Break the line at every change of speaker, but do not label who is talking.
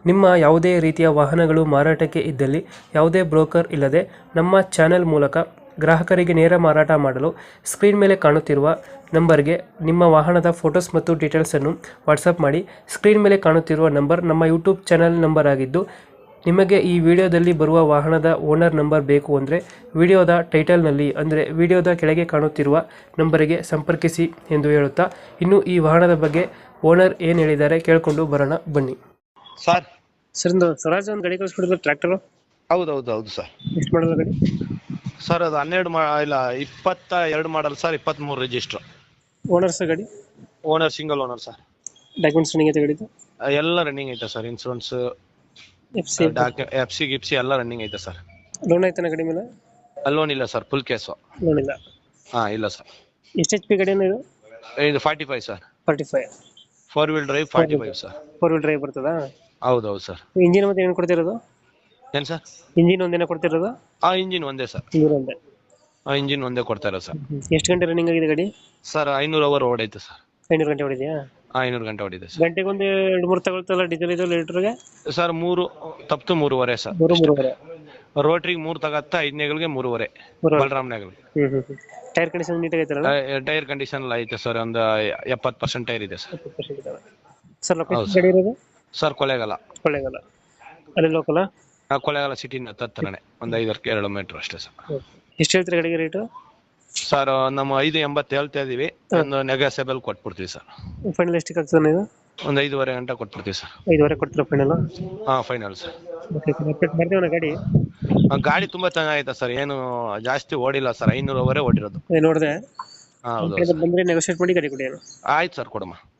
ನಿಮ್ಮ ಯಾವುದೇ ರೀತಿಯ ವಾಹನಗಳು ಮಾರಾಟಕ್ಕೆ ಇದ್ದಲ್ಲಿ ಯಾವುದೇ ಬ್ರೋಕರ್ ಇಲ್ಲದೆ ನಮ್ಮ ಚಾನೆಲ್ ಮೂಲಕ ಗ್ರಾಹಕರಿಗೆ ನೇರ ಮಾರಾಟ ಮಾಡಲು ಸ್ಕ್ರೀನ್ ಮೇಲೆ ಕಾಣುತ್ತಿರುವ ನಂಬರ್ಗೆ ನಿಮ್ಮ ವಾಹನದ ಫೋಟೋಸ್ ಮತ್ತು ಡೀಟೇಲ್ಸನ್ನು ವಾಟ್ಸಪ್ ಮಾಡಿ. ಸ್ಕ್ರೀನ್ ಮೇಲೆ ಕಾಣುತ್ತಿರುವ ನಂಬರ್ ನಮ್ಮ ಯೂಟ್ಯೂಬ್ ಚಾನೆಲ್ ನಂಬರ್ ಆಗಿದ್ದು, ನಿಮಗೆ ಈ ವಿಡಿಯೋದಲ್ಲಿ ಬರುವ ವಾಹನದ ಓನರ್ ನಂಬರ್ ಬೇಕು ಅಂದರೆ ವಿಡಿಯೋದ ಟೈಟಲ್ನಲ್ಲಿ ಅಂದರೆ ವಿಡಿಯೋದ ಕೆಳಗೆ ಕಾಣುತ್ತಿರುವ ನಂಬರಿಗೆ ಸಂಪರ್ಕಿಸಿ ಎಂದು ಹೇಳುತ್ತಾ, ಇನ್ನು ಈ ವಾಹನದ ಬಗ್ಗೆ ಓನರ್ ಏನು ಹೇಳಿದ್ದಾರೆ ಕೇಳಿಕೊಂಡು ಬರೋಣ ಬನ್ನಿ.
ಸರ್
ಸರ್, ಒಂದು ಸ್ವರಾಜ್ ಒಂದು ಗಾಡಿ ಕಳಿಸ್ಬಿಡಿದ್ರು ಟ್ರ್ಯಾಕ್ಟರ್.
ಹೌದು ಸರ್.
ಎಷ್ಟು ಮಾಡಲ್ಲ ಗಾಡಿ?
ಸರ್ ಅದು 22 model sir, 23 register.
Owner sir ಗಾಡಿ?
Owner single owner sir.
Documents running ಐತೆ ಗಾಡಿದು?
ಎಲ್ಲ ರನ್ನಿಂಗ್ ಐತೆ ಸರ್. ಇನ್ಸೂರೆನ್ಸ್, ಎಫ್ ಸಿ ಎಲ್ಲ ರನ್ನಿಂಗ್ ಐತೆ ಸರ್.
ಲೋನ್ ಐತನ ಗಾಡಿ ಮೇಲೆ?
ಲೋನ್ ಇಲ್ಲ ಸರ್, ಫುಲ್ ಕೇಸು.
ಲೋನ್ ಇಲ್ಲ?
ಇಲ್ಲ ಸರ್.
ಎಷ್ಟು ಎಚ್ ಪಿ ಗಾಡಿ ಇದು?
ಇದು 45 ಸರ್.
45
4 ವೀಲ್ ಡ್ರೈವ್ 45 ಸರ್.
4 ವೀಲ್ ಡ್ರೈವ್ ಬರ್ತದಾ?
ಹೌದು ಸರ್.
ಇಂಜಿನ್ ಮತ್ತೆ ಏನು ಕೊಡ್ತಿರೋದು?
ಏನ್ ಸರ್?
ಇಂಜಿನ್ ಒಂದೇನ ಕೊಡ್ತಿರೋದು?
ಇಂಜಿನ್ ಒಂದೇ ಸರ್.
ಇಂಜಿನ್ ಒಂದೇ?
ಇಂಜಿನ್ ಒಂದೇ ಕೊಡ್ತಾ ಇರೋ ಸರ್.
ಎಷ್ಟು ಗಂಟೆ ರನ್ನಿಂಗ್ ಆಗಿದೆ ಗಾಡಿ?
Sir 500 hour ಓಡೈತೆ sir.
500 ಗಂಟೆ ಹೊಡಿದೆಯಾ?
500 ಗಂಟೆ ಹೊಡಿದೆ ಸರ್.
ಗಂಟೆಗೆ ಒಂದು 2-3 ತಗೊಳ್ತಲ್ಲ ಡೀಸೆಲ್ ಇದು ಲೀಟರ್ಗೆ?
ಸರ್ 3 ತಪ್ತು 3.5 ಸರ್.
3.5.
ರೋಟ್ರಿಗೆ 3 ತಗತ್ತ, 5ನೇಗಳಿಗೆ 3.5. ಬಲರಾಮ್ನೇಗಳಿಗೆ.
ಟೈರ್ ಕಂಡೀಷನ್ ನೀಟಾಗಿ ಐತಲ್ಲ?
ಟೈರ್ ಕಂಡೀಷನ್ ಎಲ್ಲ ಐತೆ ಸರ್. ಒಂದು 70% ಟೈರ್ ಇದೆ ಸರ್.
ಸರ್ ಲೊಕೇಶನ್ ಗಾಡಿ ಇರೋದು?
ಸರ್ ಕೊಳ್ಳೇಗಾಲ.
ಅಲ್ಲಿ ಲೋಕಲ್?
ಕೊಳ್ಳೇಗಾಲ ಸಿಟಿನ ಹತ್ತಿರನೇ, ಒಂದು 5 ಕಿಲೋಮೀಟರ್ ಅಷ್ಟೇ ಸರ್.
ಎಷ್ಟು ಹೇಳ್ತೀರಿ ಗಾಡಿಗೆ ರೇಟು?
ಸರ್ ನಮ್ಮ 580 ಹೇಳ್ತಾ ಇದೀವಿ. ಒಂದು ನೆಗೋಸಿಯಬಲ್ ಕೊಟ್ಬಿಡ್ತೀವಿ ಸರ್.
ಫೈನಲ್ ಎಷ್ಟಕ್ಕೆ ಆಗ್ತದೆ ನೀವು?
ಒಂದು 5.5 ಗಂಟೆ ಕೊಟ್ಬಿಡ್ತೀವಿ ಸರ್.
5.5 ಕೊಡ್ತೀರಾ ಫೈನಲ್?
Final sir.
ಮಾಡ್ತೀವಣ್ಣ ಗಾಡಿ?
ಗಾಡಿ ತುಂಬಾ ಚೆನ್ನಾಗೈತೆ ಸರ್. ಏನು ಜಾಸ್ತಿ ಓಡಿಲ್ಲ ಸರ್. 500 ಅವರೇ ಓಡಿರೋದು.
ನೋಡಿದೆ.
ಹೌದು.
ಬಂದ್ರೆ ನೆಗೋಶಿಯೇಟ್ ಮಾಡಿ ಗಾಡಿ ಕೊಡಿ.
ಆಯ್ತು ಸರ್, ಕೊಡಮ್ಮ.